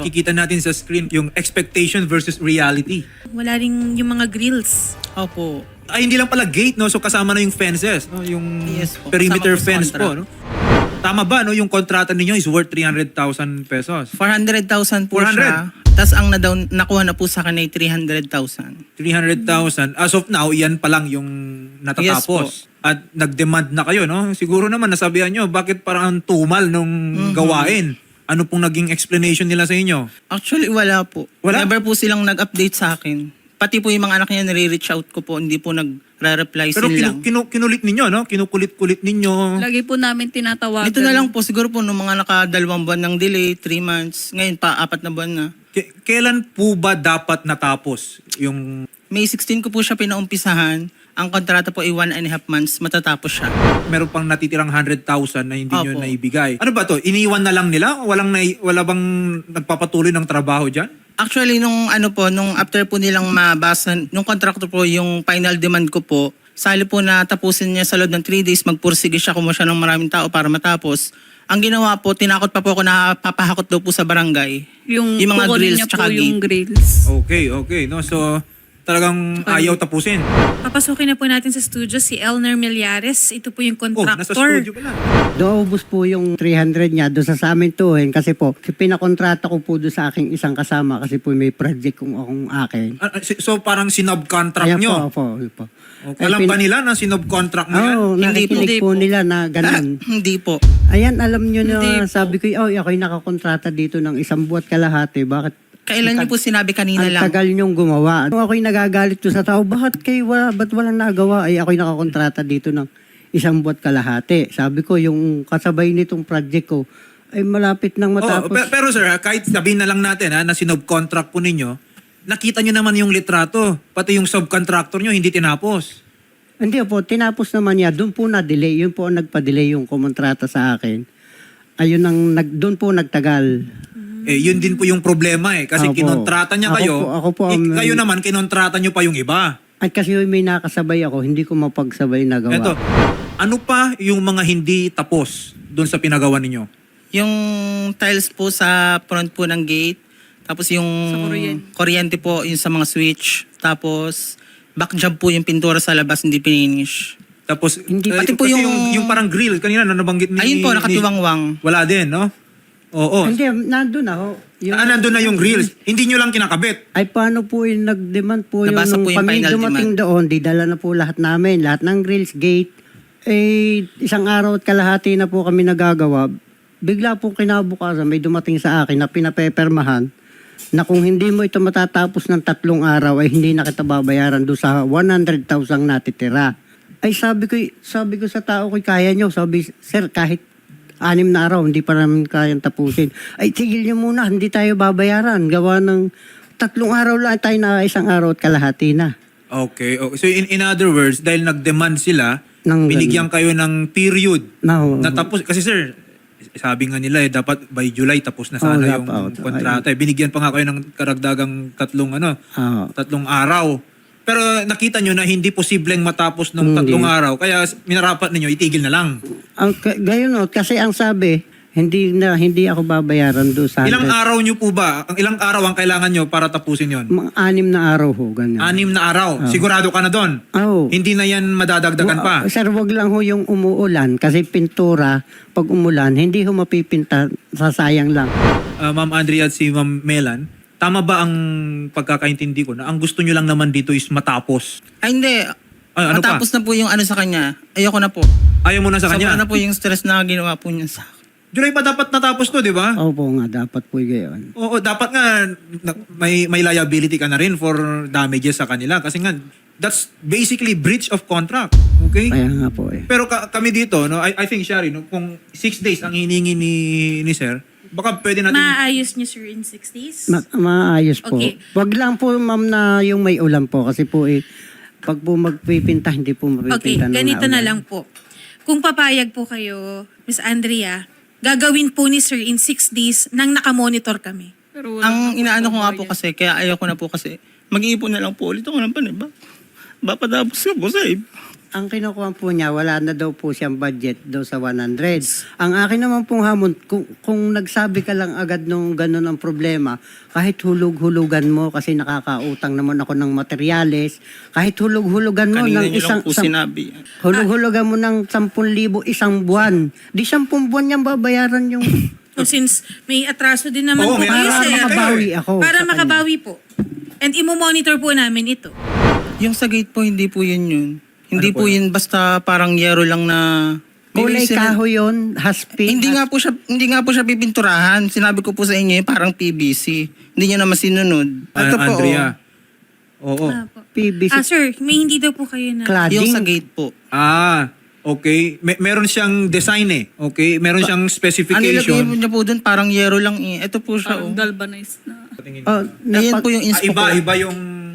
nakikita natin sa screen yung expectation versus reality. Wala rin yung mga grills. Opo. Ay, hindi lang pala gate, no? So kasama na yung fences, no? Yung Yes po, perimeter kasama po sa fence po, contract. no? Tama ba, no? Yung kontrata ninyo is worth 300,000 pesos. 400,000 po 400? siya. Tapos ang nakuha na po sa akin ay 300,000. 300,000. As of now, yan pa lang yung natatapos. At nag-demand na kayo, no? Siguro naman nasabihan nyo, bakit parang tumal nung gawain? Ano pong naging explanation nila sa inyo? Actually, wala po. Wala? Never po silang nag-update sa akin. Pati po yung mga anak niya nire-reach out ko po, hindi po nagre-reply Pero sila lang. kinulit ninyo, no? Kinukulit-kulit ninyo. Lagi po namin tinatawagan. Ito na lang po, siguro po nung mga naka-2 buwan ng delay, 3 months, ngayon pa 4 na buwan na. Kailan po ba dapat natapos yung... May 16 ko po siya pinaumpisahan. Ang kontrata po ay 1.5 months, matatapos siya. Meron pang natitirang 100,000 na hindi nyo Opo. naibigay. Ano ba to? Iniwan na lang nila? Wala bang nagpapatuloy ng trabaho dyan? Actually, nung after po nilang mabasa, nung contractor po, yung final demand ko po, sali po na tapusin niya sa loob ng 3 days, magpursige siya, kumuha siya ng maraming tao para matapos. Ang ginawa po, tinakot pa po ako na papahakot daw po sa barangay. Yung mga kukunin grills niya tsaka po yung gate. grills. Okay. No? So, talagang ayaw tapusin. Papasukin na po natin sa studio si Elner Millares. Ito po yung Nasa contractor. studio pala. Naubos po yung 300 niya doon sa amin tuhin kasi po pinakontrata ko po doon sa aking isang kasama kasi po may project kung akong akin. So, parang sinubcontract Kaya nyo? po. Okay. Alam ba nila na sinubcontract mo yan? Oo, nakikinig po nila na ganun. Hindi po. Ayan, alam nyo na Hindi po. sabi ko, ako'y nakakontrata dito ng 1 buwan kalahati. Bakit? Kailan niyo po sinabi kanina Ang lang? tagal nyong ba't ako'y nagagalit to sa tao, ba't walang nagawa? Ay, ako'y nakakontrata dito ng 1 buwan kalahati. Sabi ko, yung kasabay nitong project ko, ay malapit nang matapos. Pero sir, kahit sabihin na lang natin na sinubcontract po ninyo, nakita nyo naman yung litrato. Pati yung subcontractor nyo hindi tinapos. Hindi po, tinapos naman niya. Doon po na-delay. Yun po ang nagpa-delay yung kumontrata sa akin. Ayun ang, doon po nagtagal. Yun din po yung problema Kasi Opo. kinontrata niya kayo. Ako po ang- kayo naman, kinontrata nyo pa yung iba. At kasi may nakasabay ako, hindi ko mapagsabay na gawa. Eto, ano pa yung mga hindi tapos doon sa pinagawa ninyo? Yung tiles po sa front po ng gate. Tapos yung Sa kuryente po, yung sa mga switch. Tapos back job po yung pintura sa labas, hindi pininish. Tapos, Hindi, pati po kasi yung- yung parang grill, kanina na nabanggit ni... Ayun po, nakatiwangwang. Wala din, no? Oo. Hindi, nandun ako. Nandun na yung grills. Hindi nyo lang kinakabit. Ay, paano po yung nag-demand po Nabasa yung po yung kami final dumating doon, di dala na po lahat namin. Lahat ng grills, gate. 1 araw at kalahati na po kami nagagawa. Bigla po kinabukasan, may dumating sa akin na pinapepermahan na kung hindi mo ito matatapos ng 3 araw, ay hindi na kita babayaran doon sa 100,000 natitira. Ay sabi ko sa tao ko, kaya nyo. Sabi, sir, kahit 6 na araw, hindi pa namin kayang tapusin. Ay, tigil nyo muna, hindi tayo babayaran. Gawa ng 3 araw lang tayo na 1 araw at kalahati na. Okay. So in other words, dahil nag-demand sila, binigyan kayo ng period No. na tapos. Kasi sir, sabi nga nila dapat by July tapos na sana yung kontrata. Binigyan pa nga kayo ng karagdagang 3 araw. Pero nakita nyo na hindi posibleng matapos ng 3 araw. Kaya minarapat ninyo, itigil na lang. Gayon kasi ang sabi, hindi ako babayaran doon sa Ilang araw nyo po ba? Ilang araw ang kailangan nyo para tapusin yon? mga 6 na araw ho, ganyan. 6 na araw. Sigurado ka na doon? Oo. Hindi na yan madadagdagan pa? Sir, wag lang ho yung umuulan kasi pintura, pag umulan, hindi ho mapipinta, sasayang lang. Ma'am Andrea at si Ma'am Melan, tama ba ang pagkakaintindi ko na ang gusto nyo lang naman dito is matapos? Ay, hindi. Ay, ano Matapos na po yung sa kanya. Ayoko na po. Ayaw mo na sa Sobra kanya? na po yung stress na ginawa po niya sa akin. July pa dapat natapos to, di ba? Opo nga, dapat po gayon. Oo, dapat nga may liability ka na rin for damages sa kanila. Kasi nga, that's basically breach of contract. Okay? Kaya nga po Pero kami dito, no, I think, Shari, no, kung 6 days ang hiningi ni Sir, baka pwede natin... Maayos niyo, sir, in 6 days? Maayos po. Okay. Wag lang po, ma'am, na yung may ulan po kasi po pag po magpipinta, hindi po Okay, mapipinta ng ganito na naulan. lang po. Kung papayag po kayo, Miss Andrea, gagawin po ni sir in 6 days nang nakamonitor kami. Ang inaano ko nga po kasi, kaya ayoko na po kasi, mag-iipon na lang po ulit ako ng paniba. Bapatapos ko po, save. ang kinukuha po niya, wala na daw po siyang budget daw sa 100. Ang akin naman pong hamon, kung nagsabi ka lang agad nung ganun ang problema, kahit hulug-hulugan mo, kasi nakakautang naman ako ng materyales, kahit hulug-hulugan mo Kanina ng niyo lang po sinabi. hulug-hulugan mo ng 10,000 isang buwan, di 10 buwan niyang babayaran yung... So since may atraso din naman Oo, po may kayo, atraso sir. naman makabawi ako Para sa kanya. makabawi po. And imo-monitor po namin ito. Yung sa gate po, hindi po yun. Hindi Ano po po yun basta parang yero lang na... Kulay May kahoy yun, haspin. Hindi nga po siya pipinturahan. Sinabi ko po sa inyo, parang PVC. Hindi niyo naman sinunod. Ito po, Andrea. Oo. Ah, po. PVC Sir, may hindi daw po kayo na... cladding. yung sa gate po. Okay. Meron siyang design eh. Okay? Meron siyang Ang nilagay specification. niya po dun, parang yero lang eh. Ito po siya. Parang Oh. galvanized na. Oh, Ayan po yung inspo ko. Iba yung...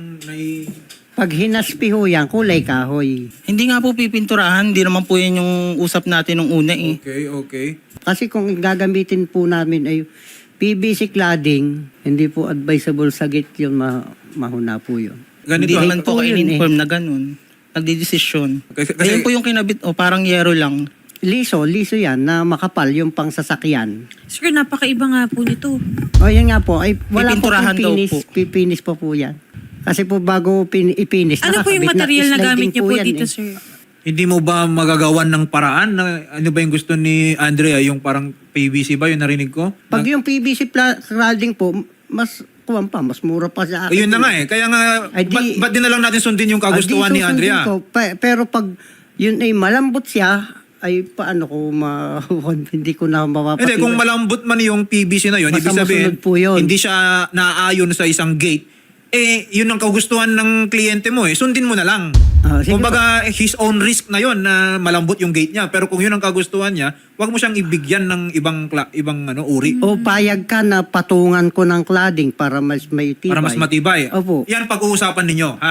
pag hinaspi ho yan, kulay kahoy. Hindi nga po pipinturahan. Hindi naman po yan yung usap natin nung una eh. Okay. Kasi kung gagamitin po namin ay PVC cladding, hindi po advisable sa gate yun, mahuna po yun. Hindi Ganito. naman po po kayo yun in-inform na ganun. Nagdidesisyon. Kasi- Ayan po yung kinabit, parang yero lang. Liso yan na makapal yung pang sasakyan. Sir, napakaiba nga po nito. O yan nga po, ay wala po Pipinturahan daw pipinis, po. pipinis po po yan. Kasi po bago ipinis, Ano po yung nakakabit na material na sliding gamit niyo po yan dito, eh. sir? Hindi mo ba magagawan ng paraan na ano ba yung gusto ni Andrea? Yung parang PVC ba yung narinig ko? Pag yung PVC cladding po, mas kuwan pa, mas mura pa sa akin. Ayun na nga eh. Kaya nga, Ay, di- ba't din na lang natin sundin yung kagustuhan ni Di susundin Andrea? ko. Pero pag yun ay malambot siya, ay paano ko hindi ko na mapapatid. Hindi, kung malambot man yung PVC na yun, ibig Basta sabihin, masunod po yun. hindi siya naaayon sa isang gate, yun ang kagustuhan ng kliyente mo sundin mo na lang. Sige Kumbaga, his own risk na yun na malambot yung gate niya. Pero kung yun ang kagustuhan niya, wag mo siyang ibigyan ng ibang uri. O payag ka na patungan ko ng cladding para mas may tibay. Para mas matibay. Opo. Yan pag-uusapan ninyo, ha?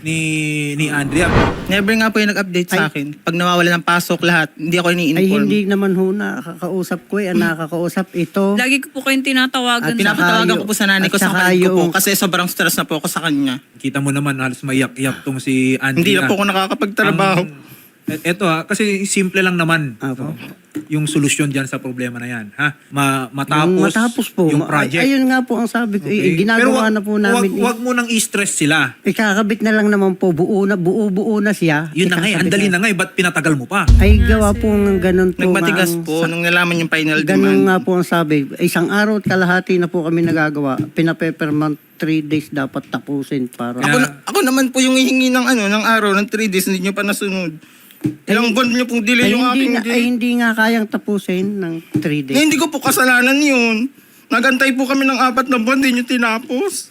Ni Andrea. Never nga po yung nag-update sa akin. Pag nawawala ng pasok lahat, hindi ako Ay ini-inform. hindi naman ho nakakausap ko ang nakakausap ito. Lagi ko po kayong tinatawagan. At Pinapatawagan ko po sa nanay ko At sa saka kapatid ko po yung- kasi sobrang stress na po ako sa kanya. Kita mo naman, halos mayak-yak tong si Andrea. Hindi na po ako nakakapagtrabaho. Eto kasi simple lang naman. Apo. Yung solusyon diyan sa problema na yan, ha? Matapos, Matapos po. yung project. Ayun nga po ang sabi ko. Okay. Ginagawa Pero na po namin. Wag mo nang i-stress sila. Ikakabit na lang naman po. Buo na siya. Yun na nga, ang Ikakabit dali na nga, ba't pinatagal mo pa? Ay gawa po ng ganun po. Nagmatigas nga ang- po nung nalaman yung final Ganun demand. nga po ang sabi. Isang araw at kalahati na po kami nagagawa. Pinapepermount 3 days dapat tapusin para... Ako naman po yung hihingi ng ng araw ng 3 days hindi nyo pa nasunod. Ilang buwan nyo pong delay yung aking hindi nga kayang tapusin ng 3 days. Hindi ko po kasalanan yun. Nagantay po kami ng 4 na buwan, hindi nyo tinapos.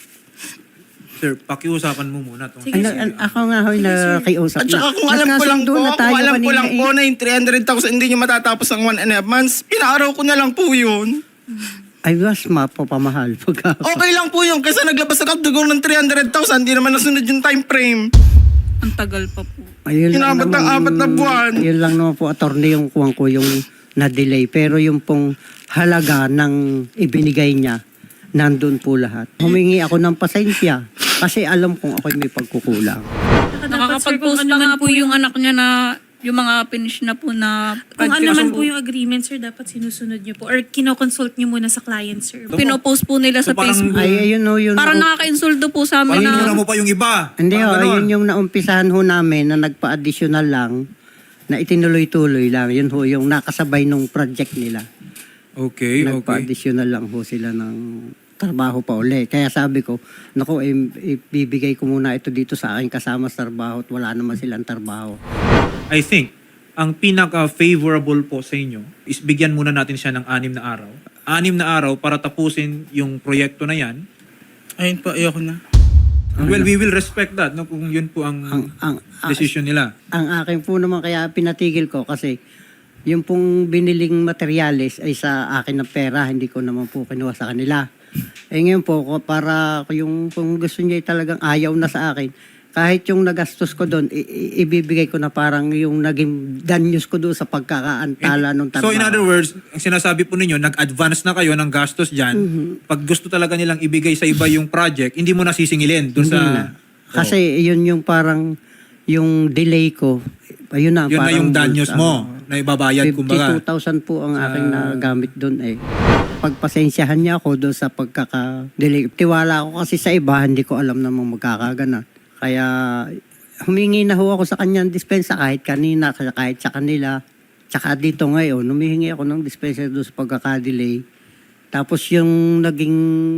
Sir, pakiusapan mo muna to. Sige, Ako nga ho'y nakiusap At saka kung alam ko lang po, na yung 300,000 hindi nyo matatapos ang 1.5 months, pinaaraw ko na lang po yun. Ay, was mapapamahal. Okay lang po yun, kasi naglabas ako dugong ng 300,000, hindi naman nasunod yung time frame. Ang tagal pa po. Ayun lang Inabot ng naman- 4 na buwan. Yun lang naman po, attorney, yung kuwang ko yung na-delay. Pero yung pong halaga ng ibinigay niya, nandun po lahat. Humingi ako ng pasensya kasi alam kong ako'y may pagkukulang. Nakakapag-post na nga po yung anak niya na yung mga finish na po na Kung ano project. man po yung agreement, sir, dapat sinusunod niyo po. Or kinoconsult niyo muna sa client, sir. Pinopost po nila sa So, parang- Facebook. Ay, ayun o, yun. Parang nakaka-insulto po sa amin Parang inuna na mo pa yung iba. Hindi Parang ho, ganon. yun yung naumpisahan ho namin na nagpa-additional lang, na itinuloy-tuloy lang. Yun ho, yung nakasabay nung project nila. Okay. Nagpa-additional lang ho sila ng trabaho pa uli. Kaya sabi ko, naku, ibibigay ko muna ito dito sa akin kasama sa trabaho at wala naman silang trabaho. I think, ang pinaka-favorable po sa inyo is bigyan muna natin siya ng 6 na araw. 6 na araw para tapusin yung proyekto na yan. Ayun po, ayoko na. Well, we will respect that no, kung yun po ang decision nila. Ang akin po naman kaya pinatigil ko kasi yung pong biniling materyales ay sa akin na pera, hindi ko naman po kinuha sa kanila. Ngayon po, para yung kung gusto niya talagang ayaw na sa akin, kahit yung nagastos ko doon, ibibigay ko na parang yung naging danyos ko doon sa pagkakaantala ng trabaho. So in other words, ang sinasabi po ninyo, nag-advance na kayo ng gastos dyan. Pag gusto talaga nilang ibigay sa iba yung project, hindi mo na sisingilin doon Hindi sa... na. Kasi yun yung parang yung delay ko, Ayun na. Yun na parang yung danyos mo na ibabayad, kumbaga. 52,000 po ang aking nagamit doon eh. Pagpasensyahan niya ako doon sa pagkaka-delay. Tiwala ako kasi sa iba, hindi ko alam namang magkakaganan. Kaya humingi na ho ako sa kanya ng dispensa kahit kanina, kahit sa kanila. Tsaka dito ngayon, humihingi ako ng dispensa doon sa pagkaka-delay. Tapos yung naging,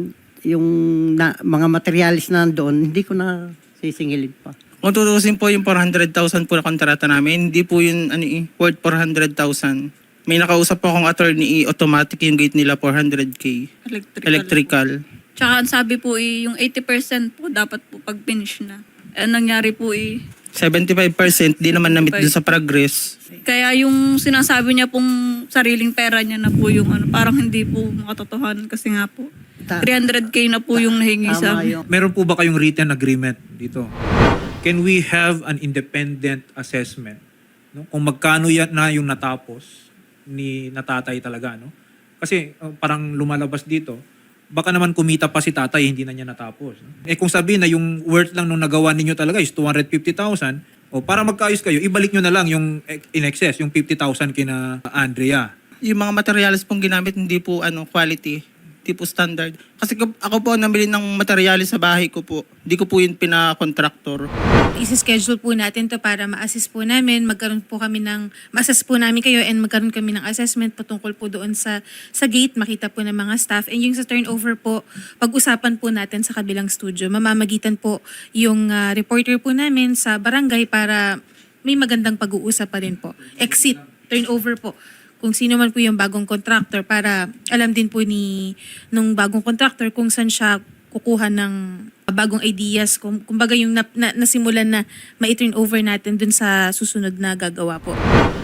mga materialis na doon, hindi ko na sisingilin pa. Kung tutusin po yung 400,000 po na kontrata namin, hindi po yun worth 400,000. May nakausap po akong attorney, automatic yung gate nila 400K. Electrical. Tsaka ang sabi po yung 80% po dapat po pag finish na. Ang nangyari po 75% di naman na-meet dun sa progress. kaya yung sinasabi niya pong sariling pera niya na po yung parang hindi po makatotohanan kasi nga po 300K na po yung nahingi sa amin. Meron po ba kayong written agreement dito? Can we have an independent assessment? No? Kung magkano yan na yung natapos ni natatay talaga, no? Kasi parang lumalabas dito, baka naman kumita pa si tatay, hindi na niya natapos. No? Eh kung sabihin na yung worth lang nung nagawa ninyo talaga is 250,000, o para magkaayos kayo, ibalik nyo na lang yung in excess, yung 50,000 kina Andrea. Yung mga materials pong ginamit hindi po quality, hindi po standard. Kasi ako po namili ng materials sa bahay ko po. Hindi ko po yun pina-contractor. Isi-schedule po natin to para ma-assess po namin, ma-assess po namin kayo and magkaroon kami ng assessment patungkol po doon sa gate, makita po ng mga staff. And yung sa turnover po, pag-usapan po natin sa kabilang studio. Mamamagitan po yung reporter po namin sa barangay para may magandang pag-uusap pa rin po. Exit, turnover po. Kung sino man po yung bagong contractor para alam din po nung bagong contractor kung saan siya kukuha ng bagong ideas, kumbaga yung nasimulan na ma-turn over natin dun sa susunod na gagawa po.